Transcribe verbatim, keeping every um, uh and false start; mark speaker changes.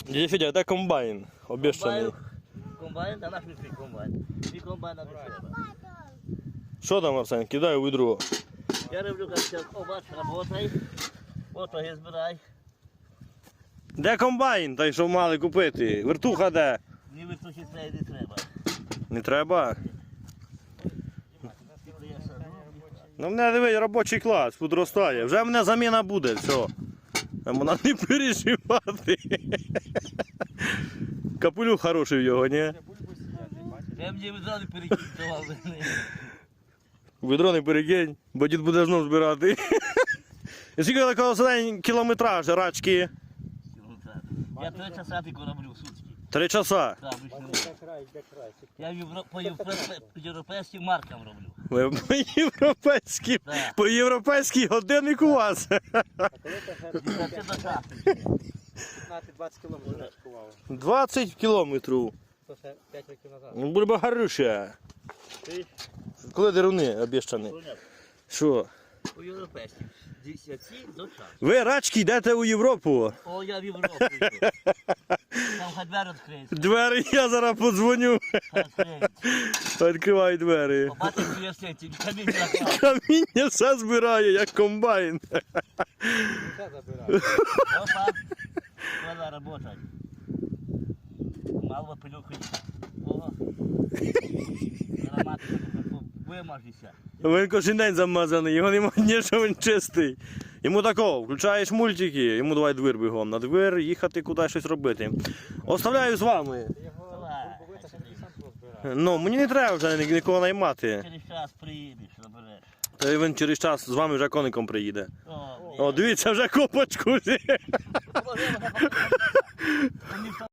Speaker 1: Дядя Федя, де комбайн? Обіщаний.
Speaker 2: Комбайн, а наш не твій комбайн. Твій комбайн нам не треба.
Speaker 1: Що там, Арсен? Кидай у відро.
Speaker 2: Я роблю, як о, бач, работай. Ото збирай.
Speaker 1: Де комбайн, той, що мали купити? Вертуха де?
Speaker 2: Ні вертухи це не треба.
Speaker 1: Не треба? Ну, в мене, дивись, робочий клас, підростає. Вже в мене заміна буде, все. Вона не переживати. Капелюх хороший в його, ні?
Speaker 2: Я мені відразу перекидував.
Speaker 1: Відро не перекинь, бо дід буде знов збирати. І скільки такого день кілометраж, рачки?
Speaker 2: Я три часа тільки роблю в сутки.
Speaker 1: Три часа.
Speaker 2: Так, більше не. Я євро- по європе- по європейським маркам роблю.
Speaker 1: Ви по європейськи,
Speaker 2: Так.
Speaker 1: по європейський годинник у вас.
Speaker 2: Це до часу.
Speaker 3: п'ятнадцять-двадцять кілометрів рачкувало.
Speaker 1: двадцять кілометрів.
Speaker 3: То ще п'ять років назад.
Speaker 1: Ну, бульба гарюча.
Speaker 2: Ти?
Speaker 1: Коли деруни обіщані? Що?
Speaker 2: По європейським. Десяті до часу.
Speaker 1: Ви, рачки, йдете у Європу.
Speaker 2: О, я в Європу йду. Там хай двері відкриються.
Speaker 1: Двері я зараз подзвоню.
Speaker 2: Хай відкриються.
Speaker 1: Відкривай двері.
Speaker 2: Побачиш, що я сеті, камінь заклав.
Speaker 1: Каміння все збирає, як комбайн.
Speaker 3: Все забираю.
Speaker 2: Опа. Треба работать. Мало пилюку. О. Аромат вимажися.
Speaker 1: Він кожен день замазаний, його немає ні, що він чистий. Йому такого, включаєш мультики, йому давай двір бігом. На двір їхати кудись щось робити. Оставляю з вами.
Speaker 3: Його
Speaker 2: Давай.
Speaker 3: бомбовита, щоб ти сам розбирав.
Speaker 1: Ну, мені не треба вже ні- нікого наймати.
Speaker 2: Через час приїдеш, забереш.
Speaker 1: Та він через час з вами вже коником приїде.
Speaker 2: О,
Speaker 1: О, дивіться, вже копочку.
Speaker 2: Мені